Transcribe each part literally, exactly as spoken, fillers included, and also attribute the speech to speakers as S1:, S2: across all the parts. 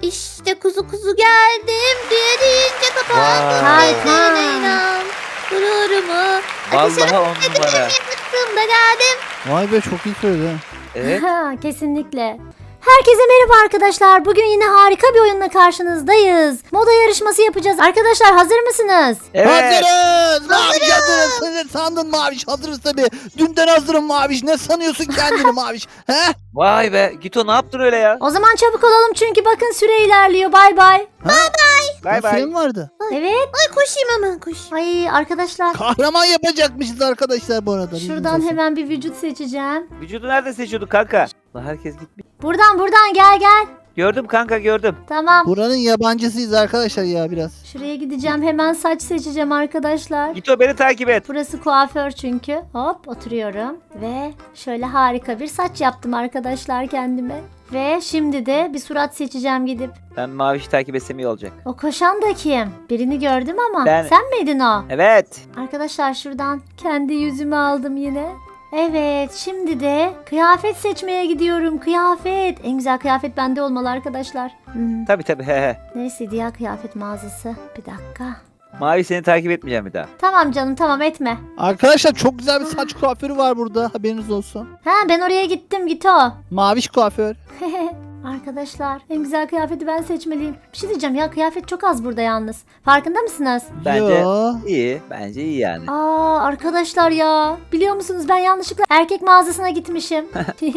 S1: İşte kuzu kuzu geldim diye deyince kapandı.
S2: Harika.
S1: inan. Gururumu.
S2: Vallahi on numara.
S1: Yaptım da geldim.
S3: Vay be, çok iyi söyledi. ha.
S2: Evet.
S4: Kesinlikle. Herkese merhaba arkadaşlar. Bugün yine harika bir oyunla karşınızdayız. Moda yarışması yapacağız. Arkadaşlar hazır mısınız?
S2: Evet.
S3: Hazırız. Maviş hazırız. Sen sandın Maviş, hazırız tabii. Dünden hazırım Maviş. Ne sanıyorsun kendini Maviş? He?
S2: Vay be. Gito ne yaptın öyle ya?
S4: O zaman çabuk olalım çünkü bakın süre ilerliyor. Bay bay.
S2: Bay
S3: Ya,
S2: bay.
S3: süre mi vardı?
S4: Evet.
S1: Ay koşayım hemen koş.
S4: Ay arkadaşlar.
S3: Kahraman yapacakmışız arkadaşlar bu arada.
S4: Şuradan hemen bir vücut seçeceğim.
S2: Vücudu nerede seçiyorduk kanka? Lan herkes gitmiş.
S4: Buradan buradan gel gel.
S2: Gördüm kanka gördüm.
S4: Tamam.
S3: Buranın yabancısıyız arkadaşlar ya biraz.
S4: Şuraya gideceğim. Hemen saç seçeceğim arkadaşlar.
S2: Gito beni takip et.
S4: Burası kuaför çünkü. Hop oturuyorum. Ve şöyle harika bir saç yaptım arkadaşlar kendime. Ve şimdi de bir surat seçeceğim gidip.
S2: Ben Maviş'i takip etsem iyi olacak.
S4: O koşan da kim? Birini gördüm ama.
S2: Ben.
S4: Sen miydin o?
S2: Evet.
S4: Arkadaşlar şuradan kendi yüzümü aldım yine. Evet, şimdi de kıyafet seçmeye gidiyorum. Kıyafet. En güzel kıyafet bende olmalı arkadaşlar. Hmm,
S2: Tabi tabi. He he.
S4: neresiydi ya kıyafet mağazası? Bir dakika.
S2: Mavi seni takip etmeyeceğim bir daha.
S4: Tamam canım tamam etme.
S3: Arkadaşlar çok güzel bir saç kuaförü var burada, haberiniz olsun.
S4: Ha ben oraya gittim git o.
S3: Maviş kuaför.
S4: Arkadaşlar en güzel kıyafeti ben seçmeliyim. Bir şey diyeceğim ya kıyafet çok az burada yalnız. Farkında mısınız?
S2: Bence
S3: Yo.
S2: iyi. Bence iyi yani.
S4: Aa arkadaşlar ya biliyor musunuz ben yanlışlıkla erkek mağazasına gitmişim.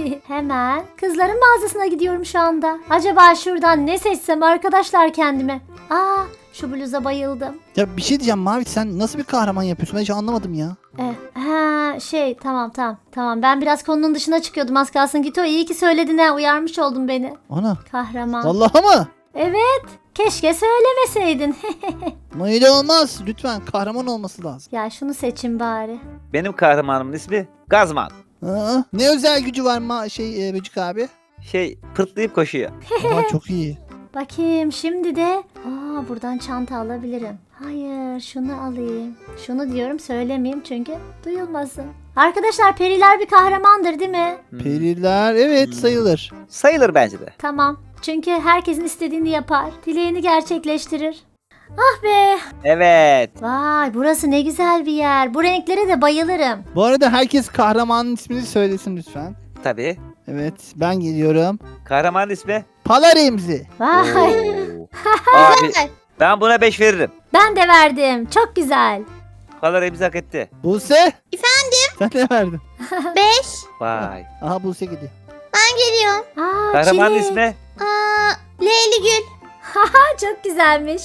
S4: Hemen kızların mağazasına gidiyorum şu anda. Acaba şuradan ne seçsem arkadaşlar kendime. Aa şu bluza bayıldım.
S3: Ya bir şey diyeceğim Maviş, sen nasıl bir kahraman yapıyorsun? Ben hiç anlamadım ya.
S4: Eh, ha şey tamam tamam tamam ben biraz konunun dışına çıkıyordum az kalsın Gito iyi ki söyledin ha uyarmış oldun beni.
S3: Ana.
S4: Kahraman.
S3: Vallahi mı?
S4: Evet keşke söylemeseydin.
S3: Öyle olmaz. Lütfen kahraman olması lazım.
S4: Ya şunu seçin bari.
S2: Benim kahramanımın ismi Gazman.
S3: Aa, ne özel gücü var ma şey e, Böcük abi?
S2: Şey pırtlayıp koşuyor.
S3: Aa, çok iyi.
S4: Bakayım şimdi de aa buradan çanta alabilirim. Hayır şunu alayım. Şunu diyorum söylemeyeyim çünkü duyulmasın. Arkadaşlar periler bir kahramandır değil mi?
S2: Hmm.
S3: Periler evet sayılır.
S2: Sayılır bence de.
S4: Tamam. Çünkü herkesin istediğini yapar. Dileğini gerçekleştirir. Ah be.
S2: Evet.
S4: Vay burası ne güzel bir yer. Bu renklere de bayılırım.
S3: Bu arada herkes kahramanın ismini söylesin lütfen.
S2: Tabii.
S3: Evet, ben geliyorum.
S2: Kahramanın ismi?
S3: Pala Remzi.
S4: Vay.
S2: Oo. Abi ben buna beş veririm.
S4: Ben de verdim. Çok güzel.
S2: Kadar hepsi hak etti.
S3: Buse.
S1: Efendim?
S3: Sen ne verdin?
S1: Beş.
S2: Vay.
S3: Aha Buse gidiyor.
S1: Ben geliyorum.
S4: Aa,
S2: Kahramanın
S4: çilek.
S2: ismi?
S1: Aa, Leyli Gül.
S4: Aa, çok güzelmiş.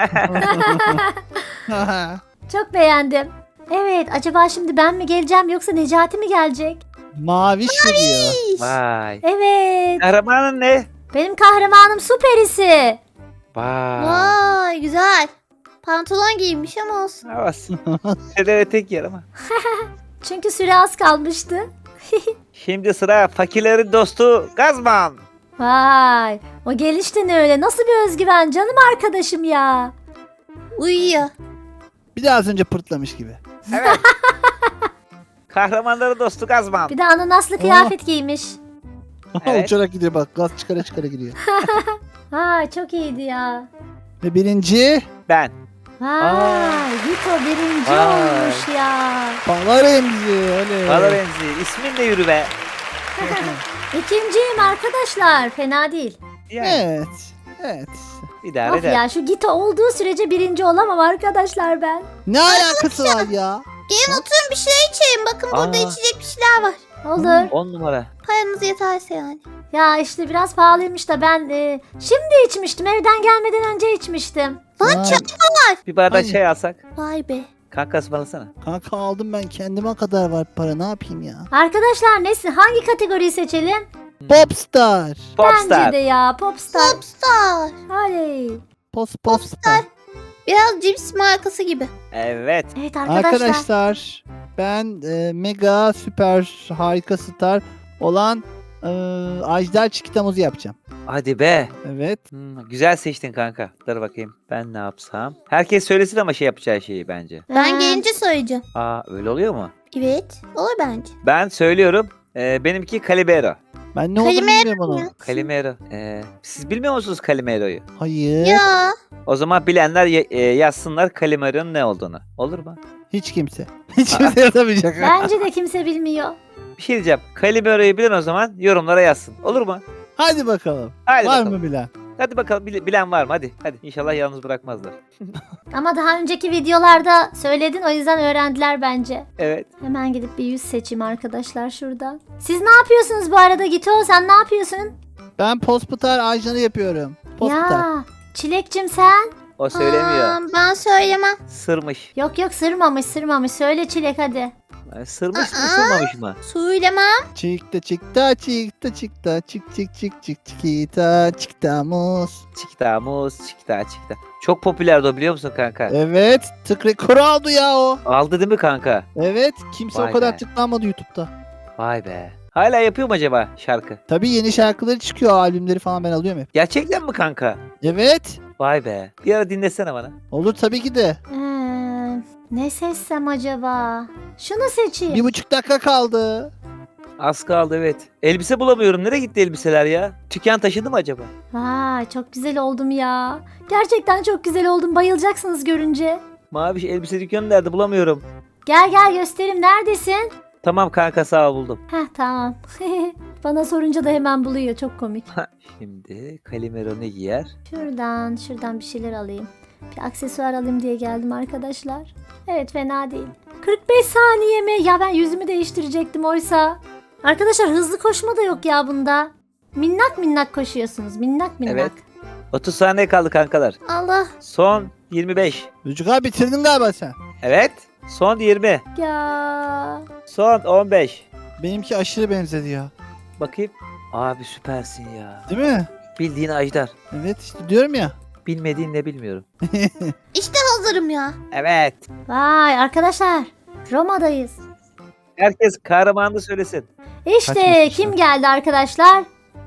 S4: Çok beğendim. Evet acaba şimdi ben mi geleceğim yoksa Necati mi gelecek?
S3: Maviş geliyor.
S2: Vay.
S4: Evet.
S2: Kahramanın ne?
S4: Benim kahramanım su perisi.
S2: Vay.
S1: Vay güzel. Pantolon giymiş ama olsun.
S2: Havas. Sedere tek yer ama.
S4: Çünkü süre az kalmıştı.
S2: Şimdi sıra fakirlerin dostu Gazman.
S4: Vay. O gelişti ne öyle? Nasıl bir özgüven canım arkadaşım ya.
S1: Uyuyor.
S3: Bir de az önce pırtlamış gibi.
S2: Evet. Kahramanların dostu Gazman.
S4: Bir de ananaslı kıyafet giymiş.
S2: Evet.
S3: Uçarak gidiyor bak, gaz çıkara çıkara gidiyor.
S4: Vay çok iyiydi ya.
S3: Ve birinci
S2: Ben.
S4: Vay. Vito birinci
S2: Vay.
S4: olmuş ya.
S3: Pala Remzi. Öyle.
S2: Valla Remzi. İsmin de yürü be.
S4: İkinciyim arkadaşlar. Fena değil.
S2: Yani
S3: Evet. Evet.
S2: idare
S4: Of
S2: eder.
S4: ya şu Gito olduğu sürece birinci olamam arkadaşlar ben.
S3: Ne alakası var ya?
S1: Gelin oturun bir şeyler içelim. Bakın burada
S2: Aa.
S1: içecek bir şeyler var.
S4: Olur.
S2: On numara.
S1: Paranız yeterse yani.
S4: Ya işte biraz pahalıymış da ben e, şimdi içmiştim. Evden gelmeden önce içmiştim.
S1: Lan
S3: Vay.
S1: çay.
S2: Bir bardak
S3: Hangi?
S2: çay alsak.
S1: Vay be.
S2: Kanka ısmarlasana.
S3: Kanka aldım ben, kendime kadar var para, ne yapayım ya?
S4: Arkadaşlar neyse hangi kategoriyi seçelim?
S3: Popstar.
S2: Popstar.
S4: Bence de ya Popstar.
S1: Popstar.
S4: Oley.
S3: Pos popstar.
S1: Biraz cips markası gibi.
S2: Evet.
S4: Evet arkadaşlar.
S3: Arkadaşlar ben e, mega süper harika star olan e, Ajdar Çikitamozu yapacağım.
S2: Hadi be.
S3: Evet.
S2: Hmm, güzel seçtin kanka. Dur bakayım. Ben ne yapsam? Herkes söylesin ama şey yapacağı şeyi bence.
S1: Ben
S4: Ee,
S1: gelince söyleyeceğim.
S2: Aa öyle oluyor mu?
S1: Evet. Olur bence.
S2: Ben söylüyorum. Ee, benimki Calimero.
S3: Ben ne olduğunu
S1: Kalimero
S3: bilmiyorum onu.
S1: ya.
S2: Calimero. Ee, siz bilmiyor musunuz Calimero'yu?
S3: Hayır.
S1: Ya.
S2: O zaman bilenler ye- e, yazsınlar Calimero'nun ne olduğunu. Olur mu?
S3: Hiç kimse. Hiç kimse yazamayacak.
S4: Bence de kimse bilmiyor.
S2: Bir şey diyeceğim. Calimero'yu bilen o zaman yorumlara yazsın. Olur mu?
S3: Hadi bakalım.
S2: Hadi
S3: Var
S2: bakalım.
S3: mı bilen?
S2: Hadi bakalım bil- bilen var mı? Hadi. Hadi. İnşallah yalnız bırakmazlar.
S4: Ama daha önceki videolarda söyledin, o yüzden öğrendiler bence.
S2: Evet.
S4: Hemen gidip bir yüz seçeyim arkadaşlar şuradan. Siz ne yapıyorsunuz bu arada Gito? Sen ne yapıyorsun?
S3: Ben Posputar ajanı yapıyorum. Posputar.
S4: Ya Çilekçim sen?
S2: O söylemiyor.
S1: Aa, ben söylemem.
S2: Sırmış.
S4: Yok yok sırmamış sırmamış. Söyle Çilek hadi.
S2: Yani sırmış mı
S1: Aa.
S2: sırmamış mı?
S1: Söylemem.
S3: Çıktı çıktı çıktı çıktı çık çık çık çık çıktı çıktı muz.
S2: Çikta muz çikta çikta. Çok popülerdi o biliyor musun kanka?
S3: Evet tık rekoru aldı ya o.
S2: Aldı değil mi kanka?
S3: Evet kimse
S2: Vay
S3: o kadar
S2: be.
S3: tıklanmadı YouTube'da.
S2: Vay be. Hala yapıyor mu acaba şarkı?
S3: Tabii yeni şarkıları çıkıyor, albümleri falan ben alıyorum hep.
S2: Gerçekten mi kanka?
S3: Evet.
S2: Vay be. Bir ara dinlesene bana.
S3: Olur tabii ki de.
S4: Ee, ne seçsem acaba? Şunu seçeyim.
S3: Bir buçuk dakika kaldı.
S2: Az kaldı evet. Elbise bulamıyorum. Nereye gitti elbiseler ya? Tüken taşıdı mı acaba?
S4: Vay çok güzel oldum ya. Gerçekten çok güzel oldum. Bayılacaksınız görünce.
S2: Maviş elbise dükkanı nerede bulamıyorum.
S4: Gel gel göstereyim. Neredesin?
S2: Tamam kanka sağ ol buldum.
S4: Heh tamam. Bana sorunca da hemen buluyor. Çok komik.
S2: Şimdi Calimero ne giyer?
S4: Şuradan şuradan bir şeyler alayım. Bir aksesuar alayım diye geldim arkadaşlar. Evet fena değil. kırk beş saniye mi? Ya ben yüzümü değiştirecektim oysa. Arkadaşlar hızlı koşma da yok ya bunda. Minnak minnak koşuyorsunuz. Minnak minnak.
S2: Evet. otuz saniye kaldı kankalar.
S1: Allah.
S2: Son yirmi beş.
S3: Çocuk abi bitirdin galiba sen.
S2: Evet. Son yirmi.
S4: Ya.
S2: Son on beş.
S3: Benimki aşırı benzedi ya.
S2: Bakayım. Abi süpersin ya.
S3: Değil mi?
S2: Bildiğin Ajdar.
S3: Evet işte diyorum ya.
S2: Bilmediğin ne bilmiyorum.
S1: İşte hazırım ya.
S2: Evet.
S4: Vay arkadaşlar. Roma'dayız.
S2: Herkes kahramanını söylesin.
S4: İşte
S3: Kaçmış
S4: kim
S3: işte.
S4: geldi arkadaşlar?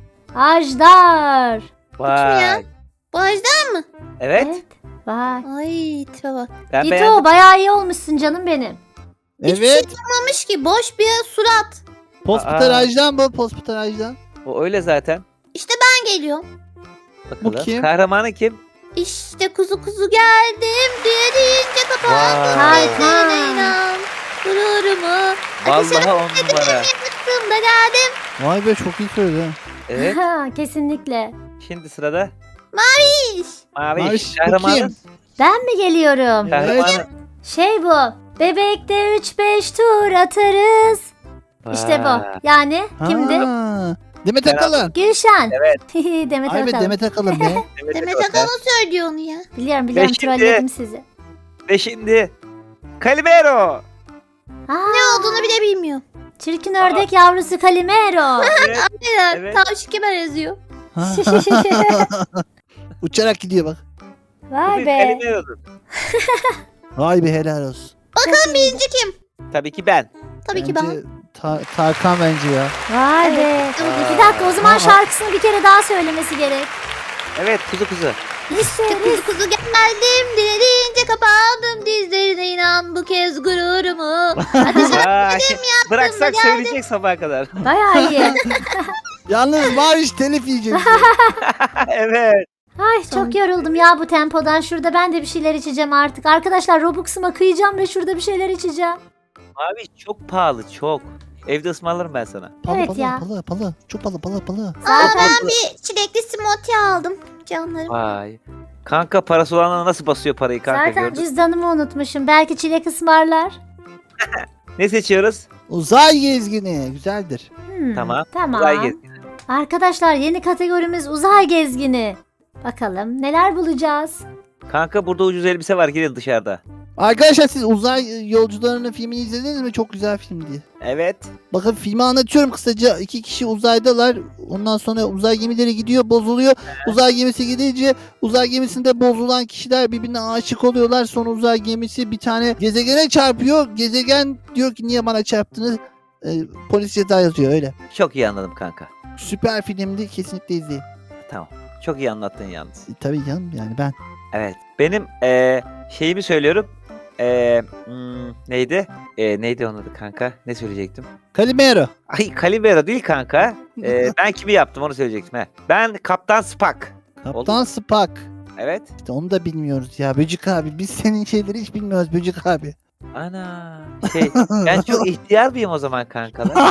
S4: Ajdar.
S2: Vay.
S1: ya? Bu Ajdar mı?
S2: Evet.
S4: Vay.
S1: Ay tipe bak.
S2: Ben
S4: Gito
S2: beğendim.
S4: bayağı iyi olmuşsun canım benim.
S1: Hiçbir şey
S3: Evet.
S1: yapmamış ki. Boş bir surat.
S3: Posputar
S2: Aa.
S3: ajan bu. Posputar ajan.
S2: O öyle zaten.
S1: İşte ben geliyorum.
S2: Bakalım.
S3: Bu kim?
S2: Kahramanı kim?
S1: İşte kuzu kuzu geldim diye deyince kapandım.
S2: Vay.
S1: Gözlerine inan. Gururumu.
S2: Vallahi on numara.
S1: Aklımda geldim.
S3: Vay be çok iyi söyledi. ha.
S2: Evet.
S4: Kesinlikle.
S2: Şimdi sırada
S1: İş.
S2: Mavi.
S3: Maviş, bu
S2: Kahramanı.
S3: kim?
S4: Ben mi geliyorum?
S2: Kahramanı.
S4: Şey bu. Bebekte üç beş tur atarız. İşte bu.
S2: Vay.
S4: Yani kimdi?
S3: Ha, Demet
S2: Beraber.
S3: Akalın.
S4: Gülşen.
S2: Evet.
S4: Demet
S3: Ay be
S4: Akalın.
S3: Demet Akalın be.
S2: Demet
S1: Demet
S2: Akalın.
S1: Akalın söylüyor onu ya.
S4: Biliyorum biliyorum
S2: Ve şimdi-
S4: trolledim sizi.
S2: Ve şimdi Calimero.
S4: Aa,
S1: Ne olduğunu bile bilmiyor.
S4: çirkin ördek yavrusu Calimero.
S2: Evet.
S1: Aynen.
S2: Evet.
S1: Tavşik kemer yazıyor.
S3: Uçarak gidiyor bak.
S4: Vay
S2: Bu
S4: be.
S2: Calimero'dur.
S3: Vay be helal olsun.
S1: Bakalım birinci kim?
S2: Tabii ki ben.
S1: Tabii ki ben.
S3: Bence Ta- Tarkan bence ya.
S4: Vay be.
S1: Evet.
S4: Bir dakika o zaman
S3: Aa.
S4: şarkısını bir kere daha söylemesi gerek.
S2: Evet kuzu kuzu.
S4: İşte
S1: Kuzu kuzu geldim dilediğince kapandım dizlerine inan bu kez gururumu.
S2: Vay. Bıraksak
S1: geldim.
S2: söyleyecek sabaha kadar.
S4: bayağı iyi.
S3: Yalnız Maviş telif yiyecek.
S2: Evet.
S4: Ay çok yoruldum ya bu tempodan. Şurada ben de bir şeyler içeceğim artık. Arkadaşlar Robux'uma kıyacağım ve şurada bir şeyler içeceğim.
S2: Abi çok pahalı çok. Evde ısmarlarım ben sana.
S3: Palı
S4: Evet
S3: palı,
S4: ya.
S3: palı palı. Çok palı palı palı.
S1: Aa
S2: Çok
S1: ben
S2: fazla.
S1: bir çilekli smoothie aldım canlarım.
S2: Vay. Kanka parası olanlara nasıl basıyor parayı kanka
S4: Zaten
S2: gördün?
S4: cüzdanımı unutmuşum. Belki çilek ısmarlar.
S2: Ne seçiyoruz?
S3: Uzay gezgini. Güzeldir.
S4: Hmm,
S2: Tamam.
S4: Tamam.
S2: Uzay gezgini.
S4: Arkadaşlar yeni kategorimiz uzay gezgini. Bakalım neler bulacağız.
S2: Kanka burada ucuz elbise var gelin dışarıda.
S3: Arkadaşlar siz uzay yolcularının filmini izlediniz mi? Çok güzel film diye.
S2: Evet.
S3: Bakın filmi anlatıyorum kısaca. İki kişi uzaydalar. Ondan sonra uzay gemileri gidiyor, bozuluyor. Uzay gemisi gidince uzay gemisinde bozulan kişiler birbirine aşık oluyorlar. Sonra uzay gemisi bir tane gezegene çarpıyor. Gezegen diyor ki niye bana çarptınız? Ee, polis ceza yazıyor öyle.
S2: Çok iyi anladım kanka.
S3: Süper filmdi. Kesinlikle izleyin.
S2: Tamam. Çok iyi anlattın yalnız.
S3: E, tabii canım yani ben.
S2: Evet. Benim eee, şeyimi söylüyorum. Ee, hmm, neydi? Ee, neydi onun adı kanka? Ne söyleyecektim?
S3: Calimero.
S2: Ay Calimero değil kanka. Ee, ben kimi yaptım onu söyleyecektim. He. Ben Kaptan Spock.
S3: Kaptan Spock.
S2: Evet.
S3: İşte onu da bilmiyoruz ya Böcük abi. Biz senin şeyleri hiç bilmiyoruz Böcük abi.
S2: Ana. Şey, ben çok ihtiyar mıyım o zaman kankalar?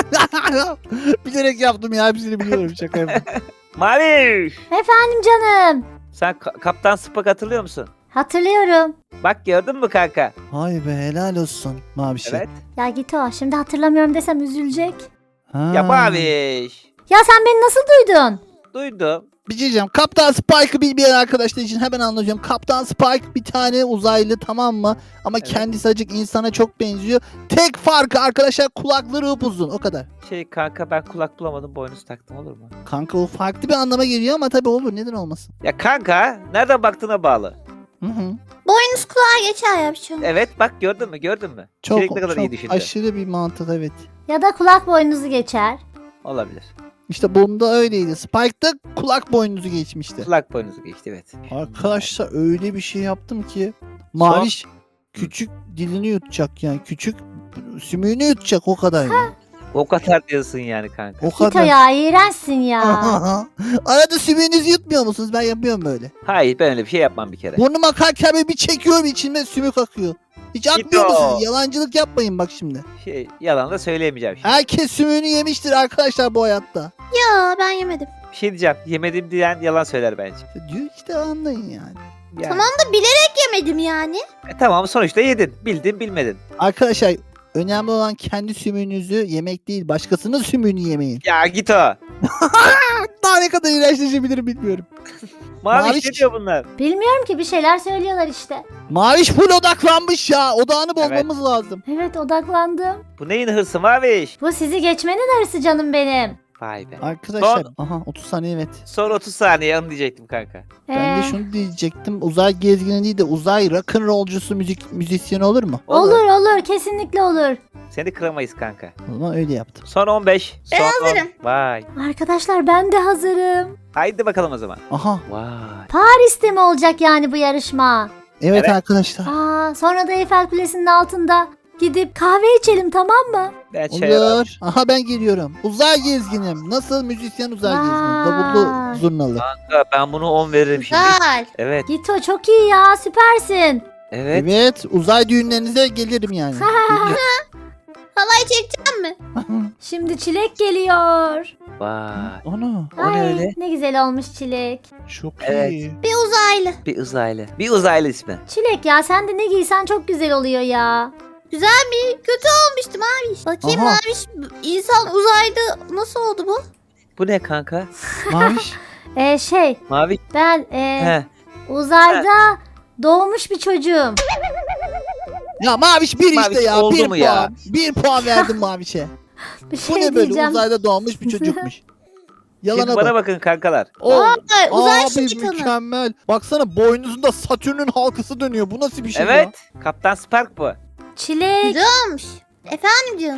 S3: Bilerek yaptım ya hepsini biliyorum şaka yapıyorum.
S2: Mavi.
S4: Efendim canım.
S2: Sen Ka- Kaptan Spock hatırlıyor musun?
S4: Hatırlıyorum.
S2: Bak gördün mü kanka?
S3: Vay be helal olsun Mavişe.
S2: Evet.
S4: Ya git o. Şimdi hatırlamıyorum desem üzülecek.
S3: Ha.
S2: Ya Maviş.
S4: Ya sen beni nasıl duydun?
S2: Duydum.
S3: Bir şey diyeceğim. Kaptan Spike'ı bilmeyen arkadaşlar için hemen anlatacağım. Kaptan Spike bir tane uzaylı tamam mı? Ama
S2: Evet.
S3: kendisi acık insana çok benziyor. Tek farkı arkadaşlar kulakları upuzun o kadar.
S2: Şey kanka ben kulak bulamadım boynuz taktım olur mu?
S3: Kanka o farklı bir anlama geliyor ama tabii olur neden olmasın.
S2: Ya kanka nereden baktığına bağlı.
S3: Hı hı.
S1: Boynuz kulağa geçer ya bir şey olmaz.
S2: Evet bak gördün mü gördün mü?
S3: Çok,
S2: Çilek ne kadar iyi
S3: çok
S2: düşündü.
S3: aşırı bir mantık evet.
S4: Ya da kulak boynuzu geçer.
S2: Olabilir.
S3: İşte bunda öyleydi. Spike'da kulak boynuzu geçmişti.
S2: Kulak boynuzu geçti evet.
S3: Arkadaşlar öyle bir şey yaptım ki Maviş küçük dilini yutacak yani küçük sümüğünü yutacak o kadar yani.
S2: O kadar diyorsun yani kanka.
S3: O
S4: Git o
S3: kadar.
S4: ya iğrençsin ya.
S3: Arada sümüğünüzü yutmuyor musunuz? Ben yapıyorum böyle.
S2: Hayır ben öyle bir şey yapmam bir kere.
S3: Burnuma akarken böyle bir çekiyorum içime sümük akıyor. Hiç akmıyor
S2: Git o.
S3: musunuz? Yalancılık yapmayın bak şimdi.
S2: Şey yalan da söyleyemeyeceğim şimdi.
S3: Herkes sümüğünü yemiştir arkadaşlar bu hayatta.
S1: Ya ben yemedim.
S2: Bir şey diyeceğim. Yemedim diyen yalan söyler bence.
S3: İşte diyor işte anlayın yani.
S2: Yani.
S1: Tamam da bilerek yemedim yani.
S2: E, tamam sonuçta yedin. Bildin bilmedin.
S3: Arkadaşlar önemli olan kendi sümüğünüzü yemek değil başkasının sümüğünü yemeyin.
S2: Ya git o.
S3: Daha ne kadar iğrençleşebilirim bilmiyorum.
S2: Mavi
S3: Maviş.
S2: ne diyor bunlar?
S4: Bilmiyorum ki bir şeyler söylüyorlar işte.
S3: Maviş full odaklanmış ya. Odağını bozmamız lazım.
S4: Evet odaklandım.
S2: Bu neyin hırsı Maviş?
S4: Bu sizi geçmenin arası canım benim.
S2: Vay be.
S3: Arkadaşlar aha otuz saniye evet.
S2: Son otuz saniye onu diyecektim kanka.
S3: Ben
S4: Ee,
S3: de şunu diyecektim. Uzay gezgini değil de uzay rock'n'rollcusu müzik müzisyeni olur mu?
S4: olur olur kesinlikle olur.
S2: Seni kıramayız kanka.
S3: O zaman öyle yaptım.
S2: Son on beş.
S1: Ben
S2: Son on.
S1: hazırım.
S2: Vay.
S4: Arkadaşlar ben de hazırım.
S2: Haydi bakalım o zaman.
S3: Aha.
S2: Vay.
S4: Paris'te mi olacak yani bu yarışma?
S3: Evet,
S2: Evet.
S3: arkadaşlar.
S4: Aa, sonra da Eiffel Kulesi'nin altında gidip kahve içelim tamam mı?
S2: Ben şey
S3: Olur. Aha ben geliyorum. Uzay gezginim. Nasıl müzisyen uzay gezgini? Davullu
S4: Vay.
S3: zurnalı.
S2: Kanka ben bunu on veririm şimdi.
S1: Güzel.
S2: Evet.
S4: Gito çok iyi ya süpersin.
S2: Evet.
S3: Evet. Uzay düğünlerinize gelirim yani.
S1: Halay çekeceğim mi?
S4: Şimdi Çilek geliyor.
S2: Vay.
S3: Ana.
S2: O ne
S4: Ay,
S2: öyle?
S4: ne güzel olmuş Çilek.
S3: Çok
S2: Evet.
S3: iyi.
S1: Bir uzaylı.
S2: Bir uzaylı. Bir uzaylı ismi.
S4: Çilek ya sen de ne giysen çok güzel oluyor ya.
S1: Güzel mi? Kötü olmuştu Maviş. Bakayım
S3: Aha.
S1: Maviş. İnsan uzayda nasıl oldu bu?
S2: Bu ne kanka?
S3: Maviş.
S4: Ee, şey
S2: Mavi.
S4: ben e,
S2: He.
S4: uzayda doğmuş bir çocuğum.
S3: Ya Maviş bir
S2: Maviş
S3: işte ya.
S2: oldu
S3: Bir
S2: mu
S3: puan.
S2: ya?
S3: Bir puan verdim Maviş'e.
S4: Bir
S3: Bu
S4: şey
S3: ne böyle
S4: diyeceğim.
S3: uzayda doğmuş bir çocukmuş. Yalana
S2: Şimdi bana
S3: bak.
S2: bakın kankalar.
S3: Oo,
S1: Vay, uzay
S3: abi
S1: şeytanı.
S3: mükemmel. Baksana boynuzunda Satürn'ün halkası dönüyor. Bu nasıl bir şey ya?
S2: Evet. Kaptan Spark bu.
S4: Çilek.
S1: Güzel olmuş. Efendim canım.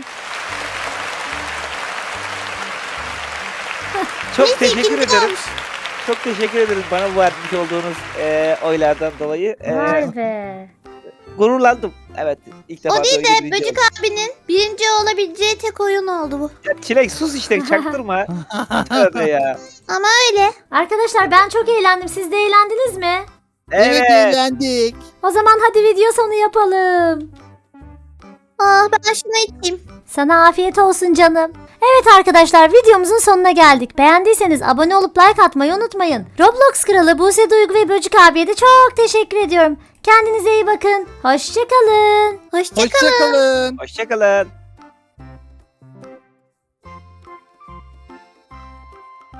S2: Çok
S1: Neyse,
S2: teşekkür
S1: ikinci
S2: ederim.
S1: olmuş.
S2: Çok teşekkür ederiz bana bu vermiş olduğunuz e, oylardan dolayı. E,
S4: Vay be.
S2: gururlandım. Evet. ilk defa
S1: O değil
S2: böyle
S1: de
S2: birinci
S1: Böcük
S2: oldum.
S1: abinin birinci olabileceği tek oyun oldu bu.
S2: Ya Çilek sus işte çaktırma. Tövbe ya.
S1: Ama öyle.
S4: Arkadaşlar ben çok eğlendim. Siz de eğlendiniz mi?
S3: Evet,
S2: Evet.
S3: eğlendik.
S4: O zaman hadi video sonu yapalım.
S1: Ah ben şunu içeyim.
S4: Sana afiyet olsun canım. Evet arkadaşlar videomuzun sonuna geldik. Beğendiyseniz abone olup like atmayı unutmayın. Roblox kralı Buse Duygu ve Böcük abiye de çok teşekkür ediyorum. Kendinize iyi bakın. Hoşçakalın.
S1: Hoşçakalın.
S3: Hoşçakalın.
S2: Hoşçakalın.